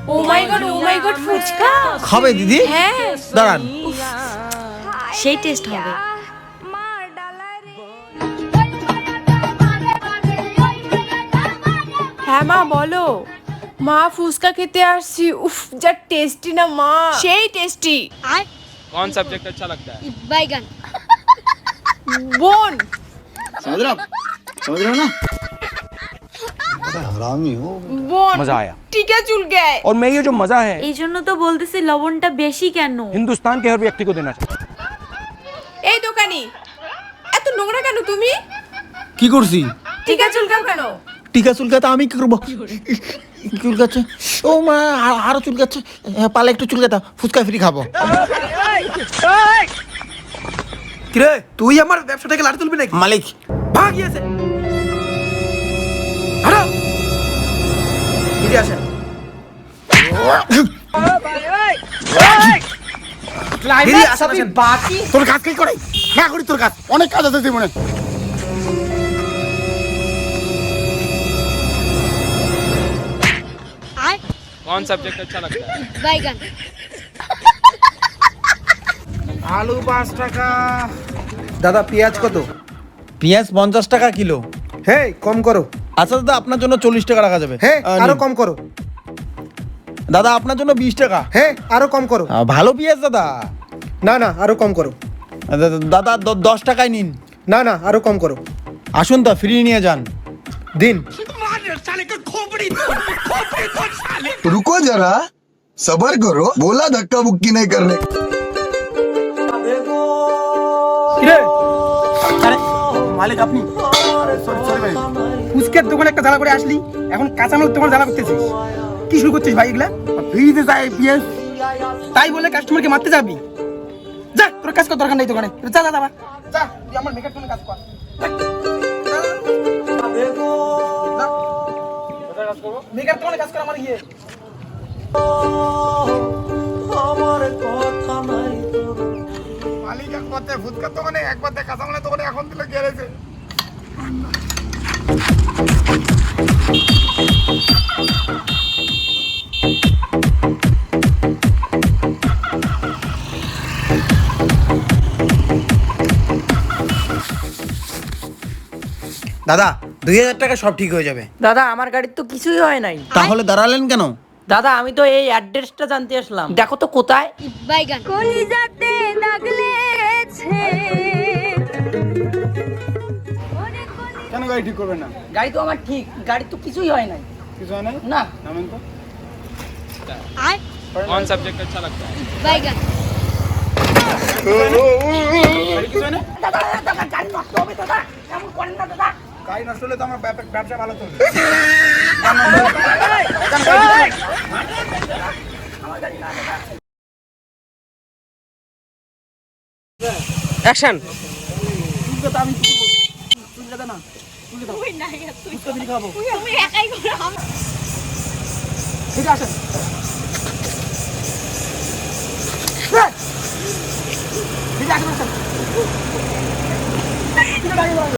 ও মাই god fuchka খাবে দিদি? হ্যাঁ দাঁড়ান। সেই টেস্ট হবে। হ্যাঁ মা বলো। মা ফুচকা খেতে আসছি, উফ যা টেস্টি না মা, সেই টেস্টি। कौन सब्जेक्ट अच्छा लगता है? बैगन। বোন समझ रहे हो ना? बड़ा हरामी हो। বোন मजा आया। টিকা চুলকে। और मैं ये जो मजा है এই জন্য তো বলতেছি লবণটা বেশি কেন। हिंदुस्तान के हर व्यक्ति को देना चाहिए। এই দোকানি এত নোংরা কেন তুমি? কি করছি? টিকা চুলকাও কেন? টিকা চুলকাতে আমি কি করবো? চুলকাচ্ছে, ও মা আরো চুলকাচ্ছে, পালে একটু চুলকাতা, ফুচকা ফ্রি খাবো। কিরে তুই আমার ব্যবসাটাকে লাড়ি তুলবি নাকি? মালিক ভাগ গিয়েছে। হাঁটো। এদিকে আসেন। এদিকে আসেন, আসেন। তোর কাজ কি করে না করি, তোর কাজ অনেক কাজ আছে জীবনে। कौन सब्जेक्ट अच्छा लगता है? बैगन। আলু 5 টাকা। দাদা পেঁয়াজ কত? পেঁয়াজ 50 টাকা কিলো। হে কম করো। আচ্ছা দাদা, আপনার জন্য 40 টাকা রাখা যাবে। হে আরো নিন। কম করো। দাদা আপনার জন্য 20 টাকা। হে আরো কম করো। ভালো পেঁয়াজ দাদা। না না আরো কম করো। দাদা 10 টাকায় নিন। না না আরো কম করো। আসুন তা ফ্রি নিয়ে যান। দিন। रुको जरा, सबर करो, बोला धक्का मुक्की नहीं करने। কিরে আরে মালিক আপনি? সরি ভাই। ফুচকের দোকানে একটা জ্বালা করে আসলি, এখন কাঁচামাল তোমার জ্বালা করতেছিস। কি শুরু করছিস ভাই এগুলা? ফ্রিতে যাই পেঁয়াজ। তাই বলে কাস্টমারকে মারতে যাবি? যা তোর কাজ কর, দরকার নেই দোকানে। যা যা যা যা, তুই আমার মেকআপ টোনের কাজ কর। মেকআপ টোনের কাজ কর আমার গিয়ে। মালিক এক পথে ফুচকার দোকানে, এক পথে কাঁচামালের দোকানে, এখন দিলে গেড়েছে। দাদা 2000 টাকা সব ঠিক হয়ে যাবে। দাদা আমার গাড়ির তো কিছুই হয় নাই। তাহলে দাঁড়ালেন কেন? দাদা আমি তো এই অ্যাড্রেসটা জানতে আসলাম, দেখো তো কোথায়। बैगन। কলিজাতে দাগ লেগেছে। কেন গাড়ি ঠিক করবে না? গাড়ি তো আমার ঠিক, গাড়ি তো কিছুই হয় নাই। কিছু হয় নাই? না নামেন তো। कौन सब्जेक्ट अच्छा लगता है? बैगन। গাড়ি নষ্ট হলে তো আমার ব্যবসা ভালো চলবে। অ্যাকশন। ঠিক আছে ঠিক আছে